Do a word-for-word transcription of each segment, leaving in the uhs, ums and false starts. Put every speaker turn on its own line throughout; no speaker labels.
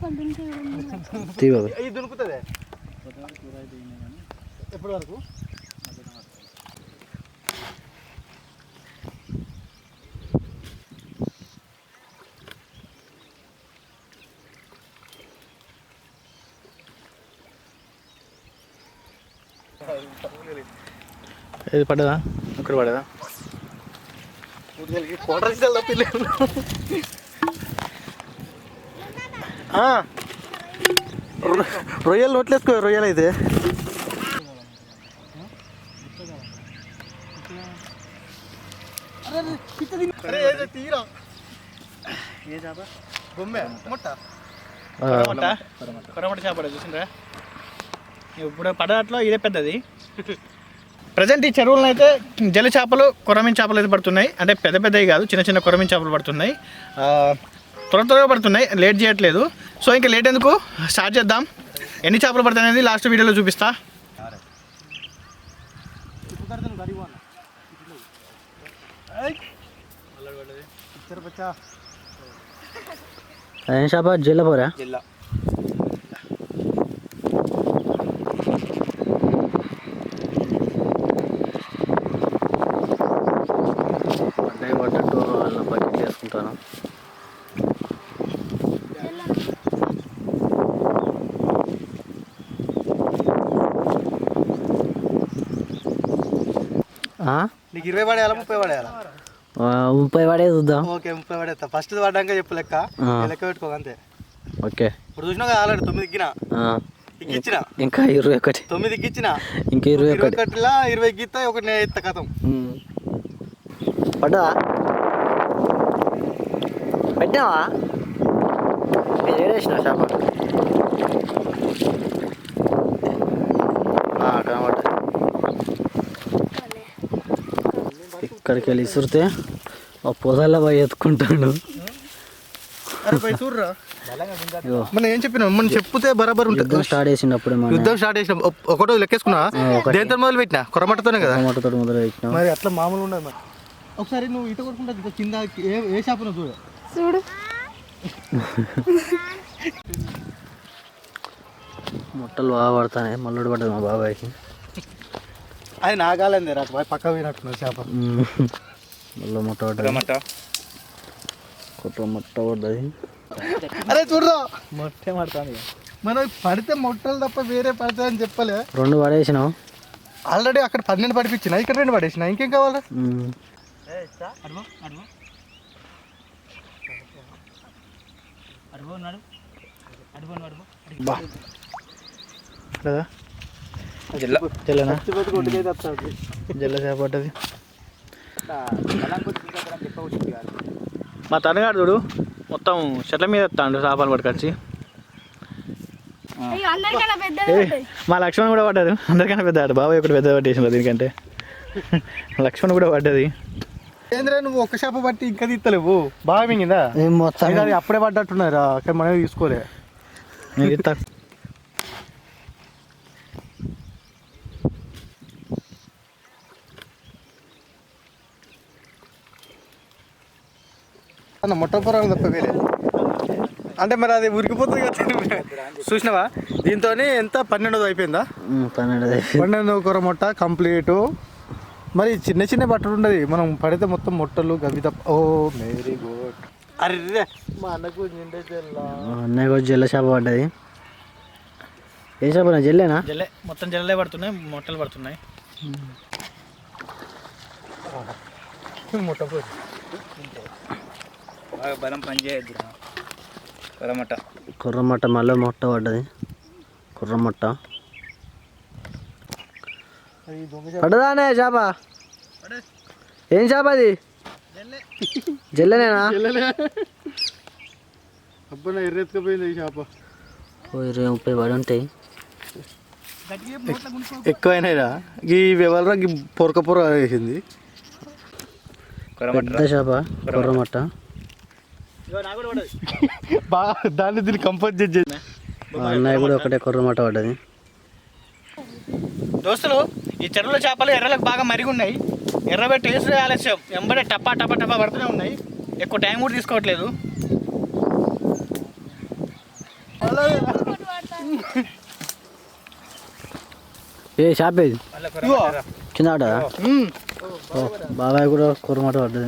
దునుకుతుంది ఎప్పటి వరకు
ఇది పడ్డదా ఇక్కడ పడ్డదా
కోటర్ తప్పిలేదు రొయ్యలు నోట్లేసుకో రొయ్యలు అయితే తీరా ఏ చేప బొమ్మె ముట్ట
కొరమట చేప చూసిండ్రా ఇప్పుడు పడట్లో ఇదే పెద్దది. ప్రజెంట్ ఈ చెరువులను అయితే జల చేపలు కొరమీన్ చేపలు అయితే పడుతున్నాయి. అంటే పెద్ద పెద్దవి కాదు, చిన్న చిన్న కొరమీన్ చేపలు పడుతున్నాయి. త్వర త్వరగా పడుతున్నాయి, లేట్ చేయట్లేదు. సో ఇంకా లేట్ ఎందుకు, స్టార్ట్ చేద్దాం. ఎన్ని చేపలు పడతాయి అనేది లాస్ట్ వీడియోలో చూపిస్తా.
ఏం చేప? జిల్ల పోరా?
జిల్లా
పడ్డాయి పడ్డట్టు వాళ్ళ బకెట్ వేసుకుంటాను.
నీకు ఇరవై పడేయాలా ముప్పై పడేయాలా?
ముప్పై పడే చూద్దాం.
ఓకే ముప్పై పడేస్తా. ఫస్ట్ పడ్డాక చెప్పు లెక్క లెక్క పెట్టుకో అంతే.
ఓకే
ఇప్పుడు చూసినా కదా ఆల్రెడీ తొమ్మిది ఎక్కినా ఎక్కిచ్చిన
ఇంకా ఇరవై ఒకటి
తొమ్మిది ఎక్కిచ్చిన
ఇంకా ఇరవై ఒకటి
ఒకటిలా ఇరవై ఎక్కిస్తా ఒకటి నేను ఎత్తా కథం.
పడ్డా పెట్టినావా? ఏడేసిన చేప కనబడ్డా. ఇక్కడికి వెళ్ళి ఇసురితే ఆ పొదల్లో పోయి ఎత్తుకుంటాడు.
చూడరా మనం ఏం చెప్పినా మనం చెప్తే బరాబర్ ఉంటుంది.
స్టార్ట్ చేసినప్పుడు
యుద్ధం స్టార్ట్ చేసిన ఒకటో లెక్కేసుకున్నా దేంతో మొదలు పెట్టినా కొరమటతోనే కదా.
కొరమటతో మొదలు పెట్టినా
మరి అట్లా మామూలు ఉండదు. మరి ఒకసారి నువ్వు ఇట కొట్టుకుంటా కింద ఏ ఏ చేపను చూడు
చూడు
ముట్టలు బాగా పడతాయి. మల్లుడు పడ్డది మా బాబాయ్కి.
అది నాగాలంది రా పక్క పోయినట్టున్నారు చేప.
మళ్ళీ ముట్ట పడ్డది, కొత్త ముట్ట పడ్డది.
అరే చూడరా మొట్టే పడతాను. మనం పడితే మొట్టలు తప్ప వేరే పడతాయని చెప్పలే.
రెండు పడేసినావు
ఆల్రెడీ. అక్కడ పన్నెండు పడిపించిన, ఇక్కడ రెండు పడేసిన. ఇంకేం కావాలి?
జిల్ల జిల్లనా జిల్ల చేప పడ్డది. మా తనగాడు చూడు మొత్తం చెట్ల మీద ఎత్తాడు చేపలు పట్టుకొచ్చి. మా లక్ష్మణ్ కూడా పడ్డాడు, అందరికన్నా పెద్ద ఆడు. బాబాయ్ ఒకటి పెద్ద పట్టేసిన దీనికంటే. లక్ష్మణ్ కూడా పడ్డది.
ఏంద్రా నువ్వు ఒక్క చేప పట్టి ఇంకా తీస్తలేవు? బాగా మింగిందా?
మొత్తం
అది అప్పుడే పడ్డట్టున్నారా? అక్కడ మనమే తీసుకోలే. మొట్టపొరాలు తప్ప వేరే అంటే మరి అది ఉరికిపోతుంది కదా. చూసినావా? దీంతో ఎంత పన్నెండోది అయిపోయిందా?
పన్నెండు
పన్నెండో కూర మొట్ట కంప్లీట్. మరి చిన్న చిన్న బట్టలు ఉండదు, మనం పడితే మొత్తం మొట్టలు గవి తప్ప. ఓ వెరీ గుడ్. అరే మా అన్నకు
అన్నయ్య కూడా జల్ల చేప పడ్డది. ఏ చేప? జల్లేనా?
జల్లే, మొత్తం జల్లే పడుతున్నాయి, మొట్టలు పడుతున్నాయి.
మొట్ట
బలం పని చేయద్దు. కొర్రమట్ట
కుర్రమట్ట మళ్ళీ మొట్ట పడ్డది. కుర్రమట్ట పడ్డదానే చేప? ఏం చేప అది? జల్లెనేనా?
అబ్బా ఎర్రెత్తుకపోయింది ఈ చేప.
ఓ ఇరవై ముప్పై పడి ఉంటాయి.
ఎక్కువైనాయిరా ఈ వ్యవహారం. పొరక పొర వేసింది.
పెద్ద చేప కుర్రమట్ట.
బాగా దాన్ని దీన్ని కంపోజ్ చేసి
అన్నయ్య కూడా ఒకటే కుర్రమట్ట పడ్డది.
దోస్తులు ఈ చెరువుల చేపలు ఎర్రలకు బాగా మరిగి ఉన్నాయి. ఎర్రబెట్టి టేస్ట్ ఆలస్యం ఎంబడే టప్పా టప్పా టప్పా పడుతూనే ఉన్నాయి. ఎక్కువ టైం కూడా తీసుకోవట్లేదు.
ఏ షాప్ ఏది కింద పడ్డదా బాబాయ్ కూడా కొరమాట పడ్డది.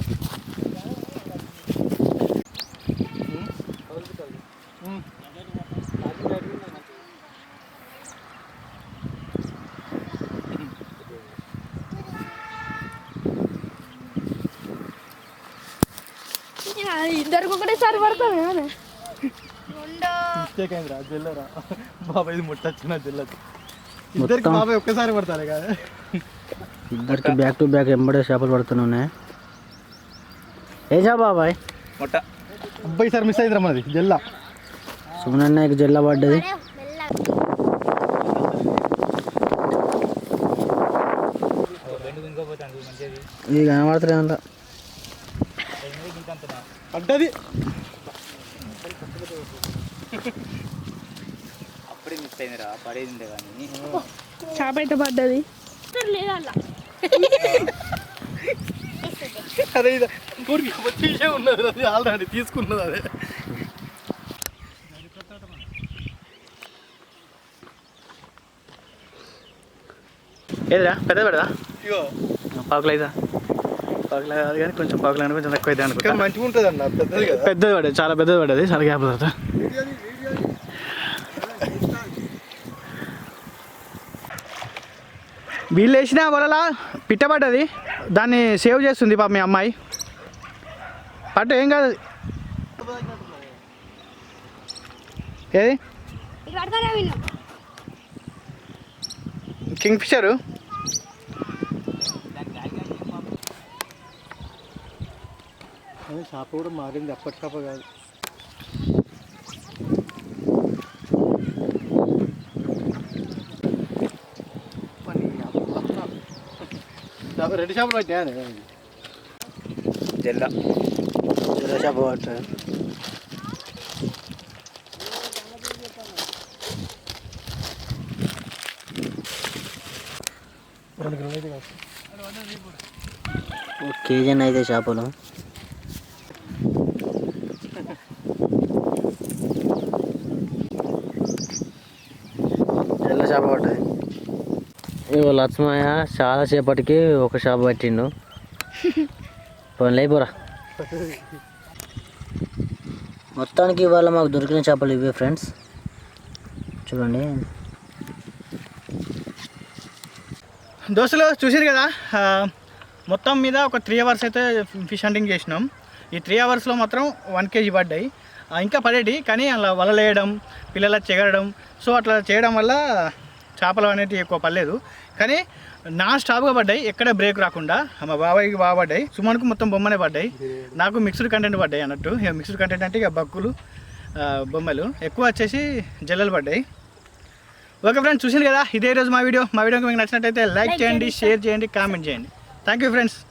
ఇద్దరికి ఒకటేసారి పడతాను
మిస్టేక్ అయిందిరా జల్లరా బాబాయ్ ఇది ముట్టచ్చిన జల్లదు ఇద్దరికి బాబాయ్ ఒక్కసారి పడతారు కదా
ఇద్దరికి బ్యాక్ టు బ్యాక్ ఎంబడే చేపలు పడుతున్నాయి. ఏ చేప బాబాయ్?
మొట్ట.
అబ్బాయి సార్ మిస్ అయిందిరా మనది జల్ల.
సుమనన్నకి జల్ల పడ్డది. ఇది కనబడుతుంది
పడ్డది.
అప్పుడే మిస్ అయిందిరా పడేది కానీ
చేప అయితే పడ్డది.
అదే ఇది తీసే ఉన్నది అది ఆల్రెడీ తీసుకున్నది అదే.
ఏదిరా పెద్ద పెడదా
ఇగో
పాకులు అయితే పాకులు కాదు కానీ కొంచెం పాకులు కానీ కొంచెం తక్కువ అయితే అనుకుంటా.
మంచిగా ఉంటుంది అన్న పెద్దది కదా.
పెద్దది పడేది చాలా పెద్దది పడేది చాలా గ్యాప్ తర్వాత వీళ్ళు వేసిన వలలా పిట్ట పడ్డది. దాన్ని సేవ్ చేస్తుంది పాప మీ అమ్మాయి. పట్టు ఏం కాదు. ఏది కింగ్ ఫిషరు
చేప కూడా మారింది అప్పటి చేప కాదు. రెండు చేపలు పట్టినా
జల్ల
జల్ల చేప పట్టాడు. ఒక కేజీ అయితే చేపలు జల్ల చేప పట్టది. ఇగో లక్ష్మయ్య చాలా సేపటికి ఒక చేప పట్టిండు. పోనీ లేపోరా. మొత్తానికి ఇవాళ మాకు దొరికిన చేపలు ఇవే ఫ్రెండ్స్. చూడండి
దోస్తులు చూసారు కదా. మొత్తం మీద ఒక త్రీ అవర్స్ అయితే ఫిష్ హంటింగ్ చేసినాం. ఈ త్రీ అవర్స్లో మాత్రం వన్ కేజీ పడ్డాయి. ఇంకా పడేటి కానీ అలా వలలు వేయడం పిల్లల చెగరడం సో అట్లా చేయడం వల్ల చేపలు అనేటివి ఎక్కువ పడలేదు. కానీ నాన్ స్టాప్గా పడ్డాయి, ఎక్కడ బ్రేక్ రాకుండా. మా బాబాయ్కి బాగా పడ్డాయి, సుమన్కు మొత్తం బొమ్మనే పడ్డాయి, నాకు మిక్స్డ్ కంటెంట్ పడ్డాయి అన్నట్టు. ఇక మిక్స్డ్ కంటెంట్ అంటే ఇక బక్కులు బొమ్మలు ఎక్కువ వచ్చేసి జల్లలు పడ్డాయి. ఓకే ఫ్రెండ్స్ చూసింది కదా, ఇదే రోజు మా వీడియో. మా వీడియోకి మీకు నచ్చినట్టయితే లైక్ చేయండి, షేర్ చేయండి, కామెంట్ చేయండి. Thank you friends.